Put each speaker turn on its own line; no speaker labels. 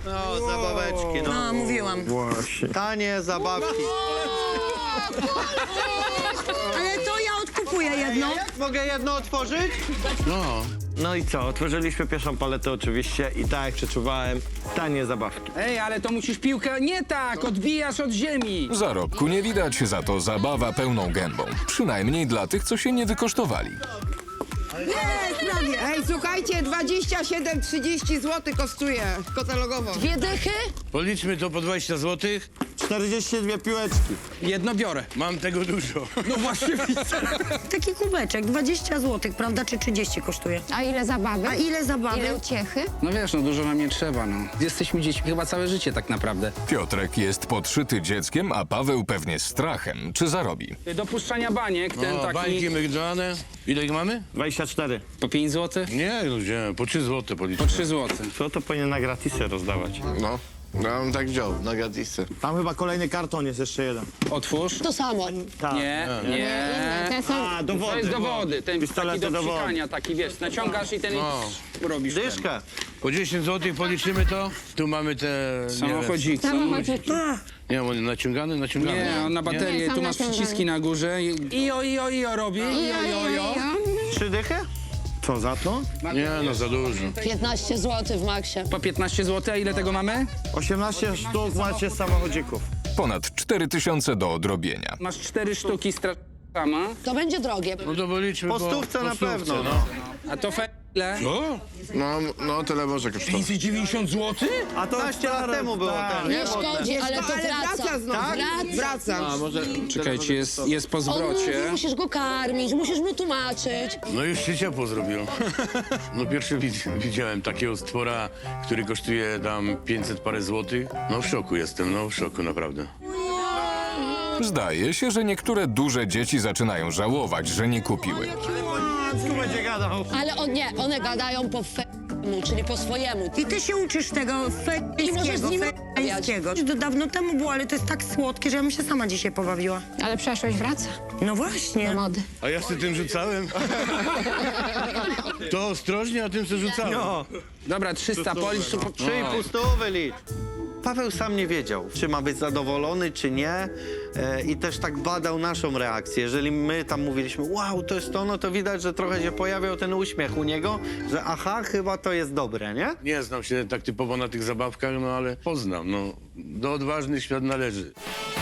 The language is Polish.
No, zabaweczki, no.
No, mówiłam.
Właśnie.
Tanie zabawki.
Ale to ja odkupuję jedną.
Mogę jedno otworzyć?
No.
No i co? Otworzyliśmy pierwszą paletę oczywiście i tak jak przeczuwałem, tanie zabawki.
Ej, ale to musisz piłkę... Nie tak, odbijasz od ziemi.
Zarobku nie widać, za to zabawa pełną gębą. Przynajmniej dla tych, co się nie wykosztowali.
Ej, słuchajcie, 27,30 zł kosztuje katalogowo.
Dwie dychy?
Policzmy to po 20 zł.
42 piłeczki.
Jedno biorę.
Mam tego dużo.
No właśnie widzę.
Taki kubeczek, 20 zł, prawda? Czy 30 kosztuje?
A ile zabawy?
A ile zabawy?
Ile uciechy?
No wiesz, no dużo nam nie trzeba, no. Jesteśmy dziećmi chyba całe życie tak naprawdę.
Piotrek jest podszyty dzieckiem, a Paweł pewnie strachem. Czy zarobi?
Dopuszczania baniek, ten
No,
taki...
bańki mygdane. Ile ich mamy?
24.
Po 5 zł?
Nie, ludzie, po 3 zł
Po
policzmy.
3 zł.
Co to powinien na gratisy rozdawać?
No, ja bym tak wziął, na gratisy.
Tam chyba kolejny karton jest jeszcze jeden.
Otwórz.
To samo.
Tak.
Nie, nie.
Te są...
A, do wody.
To jest do wody, ten taki
Pistolety
do
do wody.
psikania, taki wiesz, naciągasz i ten robisz.
Dyszkę.
Po 10 zł policzymy to. Tu mamy te...
Samochodzik.
Samochodziki.
Nie, on naciągany?
Nie, on na baterię,
Nie,
tu
są
masz
naciągane.
przyciski na górze. Ijo robi. Ijo.
3 dychy? Co za to?
Nie, no za dużo.
15 zł w maksie.
Po 15 zł, a ile tego mamy?
18 sztuk macie samochodzików.
Ponad 4000 do odrobienia.
Masz 4 sztuki sama,
To będzie drogie.
No to policzmy
Po stówce na
stówce,
pewno,
no.
a to ile?
Co?
No, tyle może kosztować.
590 zł?
A to 15 lat temu było ten,
Nie szkodzi, ale to
wraca
wraca.
znowu.
Wraca.
A może...
Czekajcie, jest po
On
zwrocie.
mówi, musisz go karmić, musisz mu tłumaczyć.
No już się ciepło zrobiło. No pierwszy widziałem takiego stwora, który kosztuje tam 500 parę złotych. No w szoku jestem, no w szoku naprawdę.
Zdaje się, że niektóre duże dzieci zaczynają żałować, że nie kupiły.
Tu będzie gadał.
Ale one gadają po f***mu, czyli po swojemu.
I ty się uczysz tego
I możesz z nim
fejskiego. To dawno temu było, ale to jest tak słodkie, że ja bym się sama dzisiaj pobawiła.
Ale przeszłość wraca
No właśnie.
do mody.
A ja z tym rzucałem. To ostrożnie, a tym se rzucałem.
No,
Dobra, 300 policz.
3,5 stówy licz. Paweł sam nie wiedział, czy ma być zadowolony, czy nie. I też tak badał naszą reakcję. Jeżeli my tam mówiliśmy, wow, to jest to, no to widać, że trochę się pojawiał ten uśmiech u niego, że aha, chyba to jest dobre, nie?
Nie znam się tak typowo na tych zabawkach, no ale poznam, no. Do odważnych świat należy.